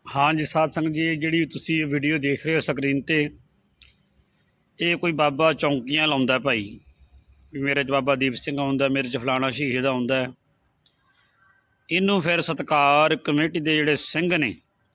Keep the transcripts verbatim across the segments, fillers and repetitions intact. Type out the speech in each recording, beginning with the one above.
हाँ जी साध संगत जी जी तुसी वीडियो देख रहे हो स्क्रीन ते ये कोई बाबा चौंकियां लाउंदा भाई मेरे च बाबा दीप सिंह आउंदा मेरे च फलाना शहीद आउंदा इनू फिर सत्कार कमेटी के जोड़े सिंह ने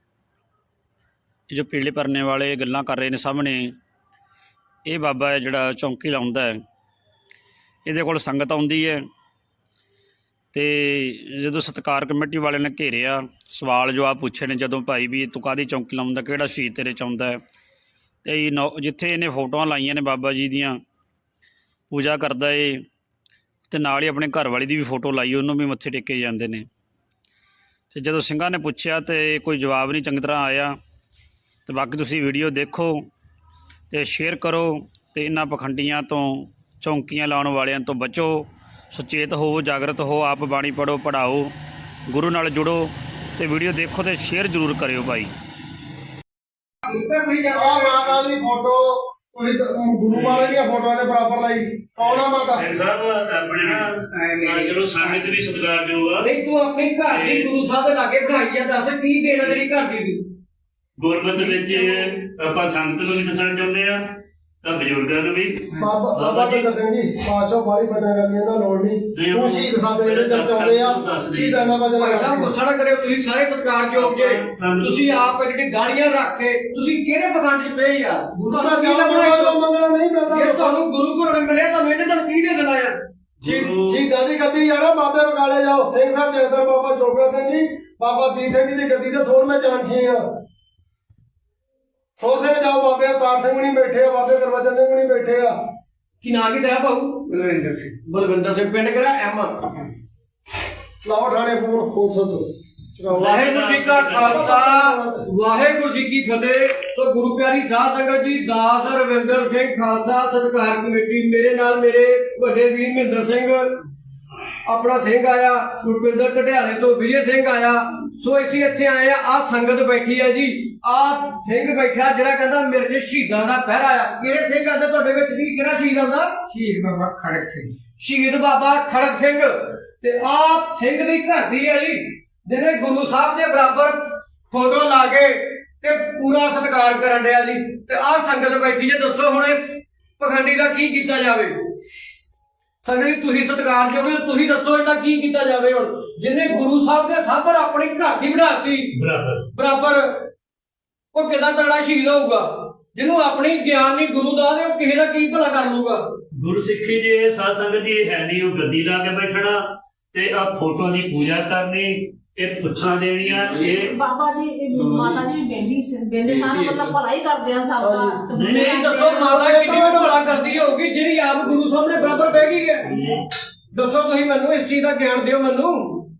जो पीले परने वाले गल्लां कर रहे हैं सामने ये बाबा है जोड़ा चौंकी लाउंदा है ये कोल संगत आउंदी है तो जो सत्कार कमेटी वाले ने घेरिया सवाल जवाब पूछे ने जदों भाई भी तू काहदी चौंकी लाउंदा किहड़ा शहीद तेरे च आउंदा है तो नौ जिथे इन्हें फोटोआं लाइया ने बाबा जी दियां पूजा करदा है तो नाल ही अपने घर वाली की भी फोटो लाई उन्होंने भी मत्थे टेके जाते हैं तो जो सिंघां ने पूछा तो कोई जवाब नहीं चंगी तरह आया तो बाकी तुसी वीडियो देखो तो शेयर करो तो इन्हां पखंडियां तो चौंकियां लाउण वालियां तो बचो सुचेत हो जागृत हो आप बाणी पढ़ो पढ़ाओ गुरु नाल जुड़ो तो वीडियो देखो तो शेयर जरूर करियो भाई। माता दी फोटो गुरु महाराज दी फोटो दे बराबर लाई कौन आ माता साहब अपने ना चलो साहित्य भी सत्कारयोग आ नहीं तू अपने घर दी गुरु साहब दे लागे बिठाई आ दस की देना तेरी घर दी गुरमत विच ਆਪਾਂ ਸੰਗਤ ਨੂੰ ਵੀ ਦੱਸਣਾ ਚਾਹੁੰਦੇ ਆ ਤਾਂ ਬਜ਼ੁਰਗਾਂ ਨੂੰ ਵੀ ਬਾਬਾ ਬਾਬਾ ਜੀ ਸਿੰਘ ਜੀ ਬਾਦਸ਼ਾਹ ਵਾਲੀ ਬਦਨ ਕਰਨੀ ਇਹਨਾਂ ਲੋੜ ਨਹੀਂ ਉਹ ਸ਼ਹੀਦ ਸਾਡੇ ਜਿਹੜੇ ਚੱਲ ਚਾਉਂਦੇ ਆ ਸ਼ਹੀਦਾਂ ਦਾ ਬਦਨ ਭਾਈ ਸਾਹਿਬ ਗੁੱਸਾ ਨਾ ਕਰਿਓ ਤੁਸੀਂ ਸਾਰੇ ਸਤਿਕਾਰਯੋਗ ਜੇ ਤੁਸੀਂ ਆਪ ਜਿਹੜੀ ਗਾੜੀਆਂ ਰੱਖ ਕੇ ਤੁਸੀਂ ਕਿਹੜੇ ਪਖੰਡ 'ਚ ਪਏ ਯਾਰ ਗੁਰੂ ਦਾ ਕੀ ਮੰਗਣਾ ਨਹੀਂ ਮਿਲਦਾ ਜੇ ਤੁਹਾਨੂੰ ਗੁਰੂ ਘਰ ਮਿਲਿਆ ਤੁਹਾਨੂੰ ਇਹਨੇ ਤੁਹਾਨੂੰ ਕੀ ਦੇ ਦੇਣਾ ਯਾਰ ਸ਼ਹੀਦਾਂ ਦੀ ਗੱਦੀ ਜਾਣਾ ਬਾਬੇ ਬਗਾਲੇ ਜਾਓ ਸਿੰਘ ਸਾਹਿਬ ਜੈਸਰ ਬਾਬਾ ਜੋਗਾ ਸਿੰਘ ਜੀ ਬਾਬਾ ਦੀਪ ਸਿੰਘ ਜੀ ਦੀ ਗੱਦੀ ਤੇ ਸੋੜ ਮੈਂ ਜਾਣਛੀ ਆ ਸੋਰ ਸਿੰਘ ਜਾਓ ਬਾਬੇ ਅਵਤਾਰ ਸਿੰਘ ਨਹੀਂ ਬੈਠੇ ਆ ਬਾਬੇ ਗੁਰਬਚਨ ਸਿੰਘ ਨਹੀਂ ਬੈਠੇ ਆ ਕੀ ਨਾਂ ਕੀ ਤੇਰਾ ਬਾਹੂ ਬਲਵਿੰਦਰ ਸਿੰਘ ਬਲਵਿੰਦਰ ਸਿੰਘ ਪਿੰਡ ਕਿਹੜਾ ਐਮ ਲਾਓ ਥਾਣੇ ਫੋਨ ਪੁਲਿਸ ਤੋਂ ਵਾਹਿਗੁਰੂ ਜੀ ਕਾ ਖਾਲਸਾ ਵਾਹਿਗੁਰੂ ਜੀ ਕੀ ਫਤਿਹ। ਸੋ ਗੁਰੂ ਪਿਆਰੀ ਸਾਧ ਸੰਗਤ ਜੀ ਦਾਸ ਰਵਿੰਦਰ ਸਿੰਘ ਖਾਲਸਾ ਸਤਿਕਾਰ ਕਮੇਟੀ ਮੇਰੇ ਨਾਲ ਮੇਰੇ ਵੱਡੇ ਵੀਰ ਮਹਿੰਦਰ ਸਿੰਘ अपना सिंह आया रुपिंदर ढटियाले तो विजय सिंह आया सो इसी इत्थे आए आ आ संगत बैठी है जी आ सिंह बैठा जिहड़ा कहंदा मेरे ते शहीदां दा पहरा आया किहड़े सिंह आंदे तुहाडे विच की किहड़ा शहीद आंदा शहीद बाबा खड़क सिंह शहीद बाबा खड़क सिंह ते आ सिंह दी घर दी है जी जिहने गुरु साहब दे बराबर फोटो ला के ते पूरा सत्कार करन दिया जी ते आ संगत बैठी जे दसो हुण पखंडी दा की कीता जावे संगत जी तुसीं सत्कार जोगे तुसीं दसो इहदा की कीता जावे हुण जिन्ने गुरु साहब दे साबर अपनी घर दी बढ़ाती बराबर बराबर ਉਹ ਕਿੰਨਾ ਤਗੜਾ ਸ਼ਹੀਦ ਹੋਊਗਾ ਜਿਹਨੂੰ ਆਪਣੀ ਗਿਆਨ ਨਹੀਂ ਗੁਰੂ ਦਾ ਤੇ ਉਹ ਕਿਸੇ ਦਾ ਕੀ ਭਲਾ ਕਰ ਲੂਗਾ। ਗੁਰਸਿੱਖੀ ਜੇ ਸਾਧ ਸੰਗਤ ਜੀ ਹੈ ਨਹੀਂ ਉਹ ਗੱਦੀ ਲਾ ਕੇ ਬੈਠਣਾ ਤੇ ਆ ਫੋਟੋਆਂ ਦੀ ਪੂਜਾ ਕਰਨੀ ਇਹ ਪੁੱਛਾਂ ਦੇਣੀਆਂ ਇਹ ਬਾਬਾ ਜੀ ਮਾਤਾ ਜੀ ਬੇਂਦੀ ਬੇਂਦੇ ਸਾਰਾ ਮਤਲਬ ਭਲਾਈ ਕਰਦੇ ਆ ਸਭ ਦਾ। ਮੇਰੀ ਦੱਸੋ ਮਾਤਾ ਕਿੰਨੀ ਭਲਾ ਕਰਦੀ ਹੋਊਗੀ ਜਿਹੜੀ ਆਪ ਗੁਰੂ ਸਾਹਮਣੇ ਬਰਾਬਰ ਬਹਿ ਗਈ ਹੈ। ਦੱਸੋ ਤੁਸੀਂ ਮੈਨੂੰ ਇਸ ਚੀਜ਼ ਦਾ ਗਿਆਨ ਦਿਓ ਮੈਨੂੰ।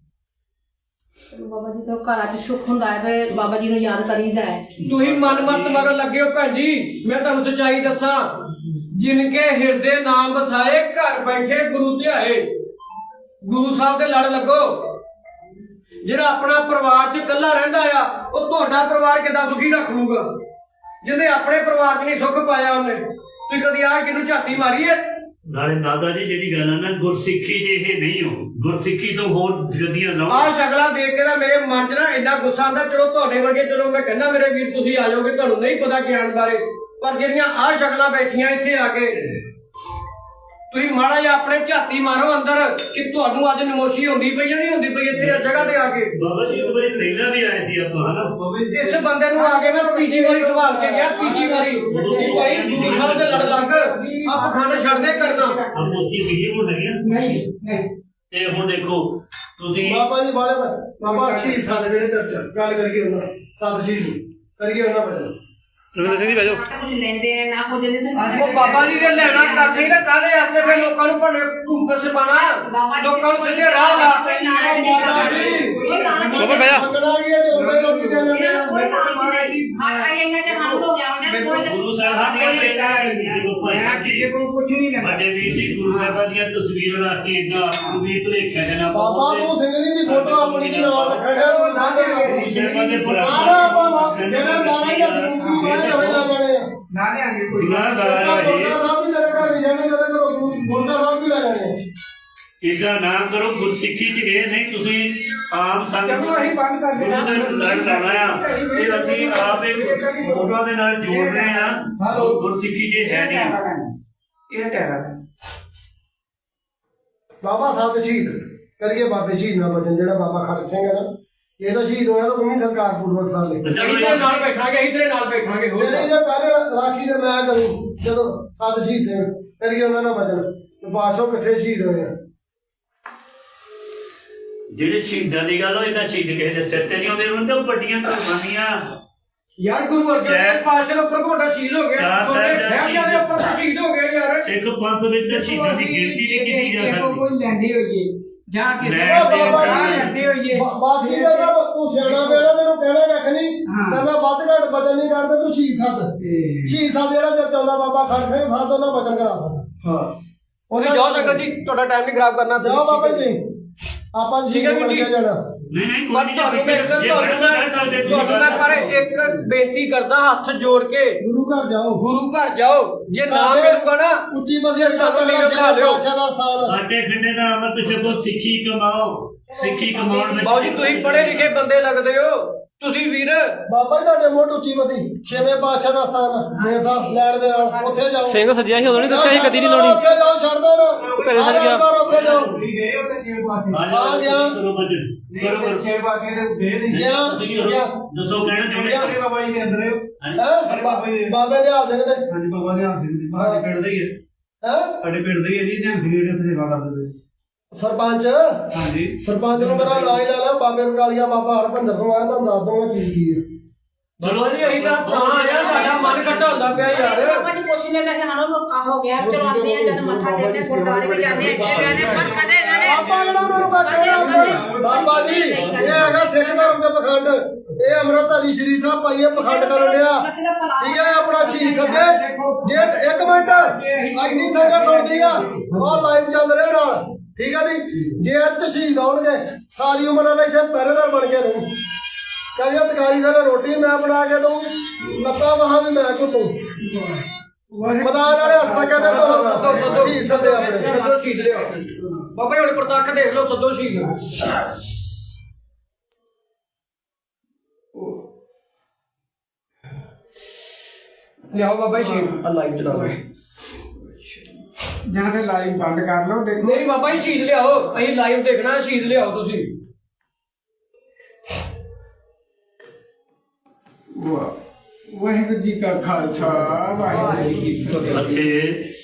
ਬਾਬਾ ਜੀ ਦਾ ਘਰਾਂ 'ਚ ਸੁੱਖ ਹੁੰਦਾ ਹੈ ਤੇ ਬਾਬਾ ਜੀ ਨੂੰ ਯਾਦ ਕਰੀਦਾ ਹੈ। ਤੁਸੀਂ ਮਨ ਮਤ ਮਗਰ ਲੱਗੇ ਹੋ ਭੈਣ ਜੀ ਮੈਂ ਤੁਹਾਨੂੰ ਸੱਚਾਈ ਦੱਸਾਂ ਜਿਨਕੇ ਹਿਰਦੇ ਨਾਮ ਵਸਾਏ ਘਰ ਬੈਠੇ ਗੁਰੂ ਧਿਆਏ ਗੁਰੂ ਸਾਹਿਬ ਦੇ ਲੜ ਲੱਗੋ। ਜਿਹੜਾ ਆਪਣਾ ਪਰਿਵਾਰ 'ਚ ਇਕੱਲਾ ਰਹਿੰਦਾ ਆ ਉਹ ਤੁਹਾਡਾ ਪਰਿਵਾਰ ਕਿੱਦਾਂ ਸੁਖੀ ਰੱਖ ਲੂਗਾ ਜਿਹਨੇ ਆਪਣੇ ਪਰਿਵਾਰ 'ਚ ਨਹੀਂ ਸੁੱਖ ਪਾਇਆ ਉਹਨੇ। ਤੁਸੀਂ ਕਦੀ ਆ ਕਿਹਨੂੰ ਝਾਤੀ ਮਾਰੀ ਹੈ ਨਾਲੇ ਦਾਦਾ ਜੀ ਜਿਹੜੀ ਗੱਲ ਆ ਨਾ ਗੁਰਸਿੱਖੀ ਜੇ ਇਹ ਨਹੀਂ ਹੋ ਗੁਰਸਿੱਖੀ ਤੋਂ ਹੋਰ ਗੱਦੀਆਂ ਲਾਓ। ਆਹ ਸ਼ਕਲਾਂ ਦੇਖ ਕੇ ਨਾ ਮੇਰੇ ਮਨ 'ਚ ਨਾ ਇੰਨਾ ਗੁੱਸਾ ਆਉਂਦਾ। ਚਲੋ ਤੁਹਾਡੇ ਵਰਗੇ ਚਲੋ ਮੈਂ ਕਹਿੰਦਾ ਮੇਰੇ ਵੀਰ ਤੁਸੀਂ ਆ ਜਾਓਗੇ ਤੁਹਾਨੂੰ ਨਹੀਂ ਪਤਾ ਗਿਆਨ ਬਾਰੇ ਪਰ ਜਿਹੜੀਆਂ ਆਹ ਸ਼ਕਲਾਂ ਬੈਠੀਆਂ ਇੱਥੇ ਆ ਕੇ ਤੁਸੀਂ ਮਾੜਾ ਜਿਹਾ ਆਪਣੇ ਝਾਤੀ ਮਾਰੋ ਅੰਦਰ ਕਿ ਤੁਹਾਨੂੰ ਅੱਜ ਨਮੋਸ਼ੀ ਹੁੰਦੀ ਪਈ ਜਾਂ ਨਹੀਂ ਹੁੰਦੀ ਪਈ ਇੱਥੇ ਇਸ ਜਗ੍ਹਾ ਤੇ ਆ ਕੇ। ਬਾਬਾ ਜੀ ਇੱਕ ਵਾਰੀ ਪਹਿਲਾਂ ਵੀ ਆਏ ਸੀ ਆਪਾਂ ਹਨਾ ਇਸ ਬੰਦੇ ਨੂੰ ਆ ਕੇ ਮੈਂ ਤੀਜੀ ਵਾਰੀ ਸੰਭਾਲ ਕੇ ਗਿਆ ਤੀਜੀ ਵਾਰੀ ਕਿ ਭਾਈ ਗੁਰੂ ਸਾਹਿਬ ਦੇ ਲੜ ਲੱਗ ਆ ਪਖੰਡ ਛੱਡ ਦੇ ਕਰਨਾ। ਆ ਮੋਚੀ ਸੀਗੀ ਹੁਣ ਹੈਗੀਆਂ ਨਹੀਂ ਨਹੀਂ ਤੇ ਹੁਣ ਦੇਖੋ ਤੁਸੀਂ ਬਾਬਾ ਜੀ ਵਾਲੇ ਬਾਬਾ ਸ਼ਹੀਦ ਸਾਡੇ ਜਿਹੜੇ ਦਰਜਾ ਗੱਲ ਕਰੀਏ ਉਹਨਾਂ ਸਤ ਸ਼ਹੀਦ ਕਰੀਏ ਉਹਨਾਂ ਬਚਨ रविंदर सिंह जी बैठो ਕੁਝ ਲੈਂਦੇ ਨਾ ਕੁਝ ਲੈਂਦੇ ਸੇ ਉਹ ਬਾਬਾ ਜੀ ਦੇ ਲੈਣਾ ਕੱਖ ਨਹੀਂ ਤਾਂ ਕਾਹਦੇ ਵਾਸਤੇ ਫਿਰ ਲੋਕਾਂ ਨੂੰ ਭੰਡੇ ਭੂਪਸ ਪਾਣਾ ਲੋਕਾਂ ਨੂੰ ਸਿੱਧੇ ਰਾਹ ਲਾ। ਮਾਤਾ ਜੀ ਬਾਬਾ ਭਈਆ ਮੰਗਣਾ ਕੀ ਹੈ ਤੇ ਉਹਦੇ ਲੋਕੀ ਦੇ ਦਿੰਦੇ ਆ ਗੁਰੂ ਸਾਹਿਬਾਨ ਦੀਆਂ ਬੇਟਾ ਕਿਸੇ ਕੋਲ ਕੁਝ ਨਹੀਂ ਲੈਣਾ ਵੱਡੇ ਵੀਰ ਜੀ ਗੁਰੂ ਸਾਹਿਬਾਨ ਦੀਆਂ ਤਸਵੀਰਾਂ ਰੱਖ ਕੇ ਇਦਾਂ ਵੀ ਭਲੇਖਿਆ ਦੇ ਨਾ ਬਾਬਾ ਨੂੰ ਸਿੰਘ ਜੀ ਦੀ ਫੋਟੋ ਆਪਣੀ ਦੀ ਨਾਲ ਰੱਖਿਆ ਉਹ ਨਾ ਦੇ ਗੁਰੂ ਸਾਹਿਬਾਨ ਦੇ ਆਰਾ ਬਰਾਬਰ ਬਾਬਾ ਜਿਹੜਾ ਮਹਾਰਾਜ ਦਾ ਸਰੂਪ ਵੀ ਬਣਾਇਆ ਹੋਇਆ ਨਾ ਜਾਣੇ ਆ ਨਾ ਲਿਆਂਗੇ ਕੋਈ ਨਾ ਗਾਇਆ ਗੋਲਡਾ ਸਾਹਿਬ ਵੀ ਤੇਰੇ ਘਰ ਜਾਣੇ ਜਦੋਂ ਗੁਰਦਾ ਸਾਹਿਬ ਵੀ ਲੈ ਜਾਣੇ ਇਹਦਾ ਨਾ ਕਰੋ। ਗੁਰਸਿੱਖੀ ਚ ਇਹ ਨਹੀਂ ਤੁਸੀਂ ਆਮ ਸੰਗਤ ਚਲੋ ਅਸੀਂ ਬੰਦ ਕਰ ਦਿੰਦੇ ਗੁਰੂ ਸਾਹਿਬ ਨੂੰ ਲੜ ਲਾਉਣਾ ਆ। ਇਹ ਅਸੀਂ ਆਪ ਇੱਕ ਫੋਟੋਆਂ ਦੇ ਨਾਲ ਜੋੜ ਰਹੇ ਆ। ਹੈਲੋ। ਗੁਰਸਿੱਖੀ ਚ ਇਹ ਹੈ ਨਹੀਂ। ਇਹ ਟੈਰਾ ਬਾਬਾ ਸਤ ਸ਼ਹੀਦ ਕਰੀਏ ਬਾਬੇ ਸ਼ਹੀਦ ਨਾਲ ਬਚਨ ਜਿਹੜਾ ਬਾਬਾ ਖੜਕ ਸਿੰਘ ਹੈ ਨਾ ਇਹ ਤਾਂ ਸ਼ਹੀਦ ਹੋਇਆ ਤਾਂ ਤੂੰ ਵੀ ਸਰਕਾਰ ਪੂਰਵਕ ਸਾਰ ਲੈ ਚਲੋ ਇਹਦੇ ਨਾਲ ਬੈਠਾਂਗੇ ਇਹਦੇ ਨਾਲ ਬੈਠਾਂਗੇ ਹੋਰ ਮੇਰੇ ਜੇ ਪਹਿਲੇ ਰਾਖੀ ਦੇ ਮੈਂ ਕਰੂੰ ਜਦੋਂ ਸਤ ਸ਼ਹੀਦ ਸਿੰਘ ਕਰੀਏ ਉਹਨਾਂ ਨਾਲ ਬਚਨ ਤੇ ਬਾਦਸ਼ਾਹ ਕਿੱਥੇ ਸ਼ਹੀਦ ਹੋਏ ਆ ਜਿਹੜੇ ਸ਼ਹੀਦਾਂ ਦੀ ਗੱਲ ਹੋਈ ਤਾਂ ਸ਼ਹੀਦ ਕਿਸੇ ਦੇ ਸਿਰ ਤੇ ਨਹੀਂ ਆਉਂਦੇ, ਉਹਨਾਂ ਤੇ ਵੱਡੀਆਂ ਕੁਰਬਾਨੀਆਂ। ਯਾਰ ਗੁਰੂ ਅਰਜਨ ਦੇਵ ਪਾਤਸ਼ਾਹ ਦੇ ਉੱਪਰ ਘੋੜਾ ਸ਼ਹੀਦ ਹੋ ਗਿਆ ਚਾਰ ਸਾਹਿਬ ਦਾ ਸਾਹਿਬਜ਼ਾਦੇ ਦੇ ਉੱਪਰ ਤਾਂ ਸ਼ਹੀਦ ਹੋ ਗਏ ਯਾਰ। ਸਿੱਖ ਪੰਥ ਵਿੱਚ ਤਾਂ ਸ਼ਹੀਦਾਂ ਦੀ ਗਿਣਤੀ ਨਹੀਂ ਕੀਤੀ ਜਾ ਸਕਦੀ। ਕੋਈ ਲੈਂਦੀ ਹੋਈਏ ਜਾਂ ਕਿਸੇ ਲੈ ਦਾ ਦੇ ਬਾਬਾ ਦੇ। ਲੈਂਦੀ ਹੋਈਏ ਬਾ- ਬਾਕੀ ਦਾ ਨਾ ਤੂੰ ਸਿਆਣਾ ਵੇੜਾ ਤੈਨੂੰ ਕਹਿਣਾ ਕੱਖ ਨਹੀਂ ਹਾਂ। ਕਹਿੰਦਾ ਵੱਧ ਘੱਟ ਬਚਨ ਨਹੀਂ ਕਰਦੇ ਤੂੰ ਸ਼ਹੀਦ ਸੱਦ ਤੇ ਸ਼ਹੀਦ ਸੱਦ ਜਿਹੜਾ ਤੇ ਚਾਹੁੰਦਾ ਬਾਬਾ ਖੜਕ ਸਿੰਘ ਸਾਧ ਉਹਨਾਂ ਬਚਨ ਕਰਾ ਸਕਦਾ ਹਾਂ ਉਹਦੀ ਜਾਓ ਸੰਗਤ ਜੀ, ਤੁਹਾਡਾ ਟਾਈਮ ਨਹੀਂ ਖਰਾਬ ਕਰਨਾ। ਜਾਓ ਬਾਬਾ ਜੀ ਆਪਾਂ ਠੀਕ ਹੈ ਸ਼ਹੀਦ ਬਣ ਵੀਰ ਕੇ ਜੀ। ਜਾਣਾ ਨਹੀਂ ਨਹੀਂ ਕੋਈ ਪਰ ਨਹੀਂ ਤੁਹਾਨੂੰ ਪਿੱਛੇ ਮੈਂ ਜੇ ਤੁਹਾਨੂੰ ਕਹਿ ਸਕਦੇ ਮੈਂ ਤੁਸੀਂ ਤੁਹਾਨੂੰ ਮੈਂ ਪਰ ਇੱਕ ਬੇਨਤੀ ਕਰਦਾ ਹੱਥ ਜੋੜ ਕੇ ਗੁਰੂ ਘਰ ਜਾਓ ਗੁਰੂ ਘਰ ਜਾਓ। ਜੇ ਨਾ ਮਿਲੂਗਾ ਨਾ ਉੱਚੀ ਮਸੀਹ ਸਾਨੂੰ ਸਾਡਾ ਵੀਡੀਓ ਬਣਾ ਲਿਓ। ਬਾਦਸ਼ਾਹ ਦਾ ਸਾਲ ਆਟੇ ਖੰਡੇ ਦਾ ਅੰਮ੍ਰਿਤ ਛਕੋ, ਸਿੱਖੀ ਕਮਾਓ। ਸਿੱਖੀ ਕਮਾਉਣ ਵਿੱਚ ਬਾਊ ਜੀ ਤੁਸੀਂ ਪੜ੍ਹੇ ਲਿਖੇ ਬੰਦੇ ਲੱਗਦੇ ਹੋ। ਤੁਸੀਂ ਵੀਰ ਬਾਬਾ ਜੀ ਤੁਹਾਡੇ ਮੋਢ ਉੱਚੀ ਮਸੀਹ ਛੇਵੇਂ ਪਾਤਸ਼ਾਹ ਦਾ ਸਥਾਨ ਮੇਰ ਸਾਹਿਬ ਲੈਣ ਦੇ ਨਾਲ ਉੱਥੇ ਜਾਓ ਸਿੰਘ ਸੱਜਿਆ ਸੀ ਉਦੋਂ ਨਹੀਂ ਦੱਸਿਆ ਸੀ ਕਦੀ ਨਹੀਂ ਲਾਉਣੀ ਉੱਥੇ ਜਾਓ ਛੱਡਦੇ ਨਾ ਘਰੇ ਛੱਡ ਗਿਆ। ਬਾਰ ਉੱਥੇ ਜਾਓ ਗਏ ਉੱਥੇ ਛੇ ਪਾਸੇ ਆ ਗਿਆ। ਕਰੋ ਭਜਨ। ਨਹੀਂ ਕਰੋ ਕਰੋ। ਉੱਥੇ ਛੇ ਪਾਸੇ ਦੇ ਗਏ ਨਹੀਂ ਗਿਆ ਤੁਸੀਂ ਗਿਆ ਦੱਸੋ ਕਹਿਣਾ ਚਾਹੁੰਦੇ ਜਿਹੜੇ ਬਾਬਾ ਜੀ ਦੇ ਅੰਦਰ ਹੈ ਹੈਂ? ਬਾਬੇ ਨੇ ਹਾਲ ਸਿੰਘ ਦੇ ਹਾਂਜੀ ਬਾਬਾ ਨਿਹਾਲ ਸਿੰਘ ਦੀ ਸਾਡੇ ਪਿੰਡ ਦੇ ਹੀ ਹੈ ਹੈ ਸਾਡੇ ਪਿੰਡ ਦੇ ਹੀ ਹੈ ਜੀ ਨਿਹਾਲ ਸਿੰਘ ਜਿਹੜੇ ਇੱਥੇ ਸੇਵਾ ਕਰਦੇ ਪਏ ਸਰਪੰਚ ਹਾਂਜੀ ਸਰਪੰਚ ਨੂੰ ਮੇਰਾ ਨਾਂ ਹੀ ਲੈ ਲਿਆ ਬਾਬੇ ਬਕਾਲੀਆ ਬਾਬਾ ਹਰਭਿੰਦਰ ਸਿੰਘ ਆਇਆ ਤੁਹਾਨੂੰ ਦੱਸ ਦੂੰਗਾ ਕੀ ਕੀ ਹੈ ਚਲੋ ਜੀ ਅਸੀਂ ਤਾਂ ਤਾਂ ਆਇਆ ਸਾਡਾ ਮਨ ਘਟਾ ਹੁੰਦਾ ਪਿਆ ਯਾਰ। ਬਾਬਾ ਜੀ ਪੁੱਛ ਲੈਂਦੇ ਸੀ ਸਾਨੂੰ ਮੌਕਾ ਹੋ ਗਿਆ ਚਲੋ ਆਉਂਦੇ ਆ ਜਦ ਮੱਥਾ ਟੇਕਦੇ ਗੁਰਦੁਆਰੇ ਵੀ ਜਾਂਦੇ ਆ ਇੱਥੇ ਕਹਿੰਦੇ ਪਰ ਕਦੇ ਇਹਨਾਂ ਨੇ ਬਾਬਾ ਜਿਹੜਾ ਉਹਨਾਂ ਨੂੰ ਮੈਂ ਕਹਿਣਾ ਹੁੰਦਾ, ਬਾਬਾ ਜੀ ਇਹ ਹੈਗਾ ਸਿੱਖ ਧਰਮ ਦੇ ਪਖੰਡ ਇਹ ਅੰਮ੍ਰਿਤਧਾਰੀ ਸ਼੍ਰੀ ਸਾਹਿਬ ਭਾਈ ਇਹ ਪਖੰਡ ਕਰਨ ਡਿਆ ਠੀਕ ਹੈ ਇਹ ਆਪਣਾ ਚੀਜ਼ ਸੱਦੇ ਜੇ ਇੱਕ ਮਿੰਟ ਇੰਨੀ ਸੰਗਤ ਸੁਣਦੀ ਆ ਉਹ ਲਾਈਵ ਚੱਲ ਰਿਹਾ ਨਾਲ ਠੀਕ ਹੈ ਜੀ ਜੇ ਅੱਜ ਸ਼ਹੀਦ ਆਉਣਗੇ ਸਾਰੀ ਉਮਰ ਨਾਲ ਇੱਥੇ ਪਹਿਰੇਦਾਰ ਬਣ ਕੇ ਰਹੂ ਕਹਿੰਦੇ ਤਕਾਰੀ ਸਾਰੇ ਰੋਟੀ ਮੈਂ ਬਣਾ ਕੇ ਦਊਂ ਲੱਤਾਂ ਬਾਹਾਂ ਵੀ ਮੈਂ ਘੁੱਟੂ ਮੈਦਾਨ ਵਾਲੇ ਹੱਥ ਤੱਕ ਕਹਿੰਦੇ ਤੋਂ ਸ਼ਹੀਦ ਸੱਦੇ ਆਪਣੇ ਸੱਦੋ ਸ਼ਹੀਦ ਲਿਆਓ। ਬਾਬਾ ਜੀ ਹੁਣ ਪ੍ਰਤੱਖ ਦੇਖ ਲਓ ਸੱਦੋ ਸ਼ਹੀਦ। ਲਿਆਓ ਬਾਬਾ ਜੀ ਸ਼ਹੀਦ ਲਾਈਵ ਚਲਾਓ। ਜਾਂ ਤੇ ਲਾਈਵ ਬੰਦ ਕਰ ਲਓ ਦੇਖੋ ਨਹੀਂ ਬਾਬਾ ਜੀ ਸ਼ਹੀਦ ਲਿਆਓ, ਅਸੀਂ ਲਾਈਵ ਦੇਖਣਾ। ਸ਼ਹੀਦ ਲਿਆਓ ਤੁਸੀਂ। ਵਾਹਿਗੁਰੂ ਜੀ ਕਾ ਖਾਲਸਾ ਵਾਹਿਗੁਰੂ ਜੀ ਕੀ ਫਤਿਹ। ਅਤੇ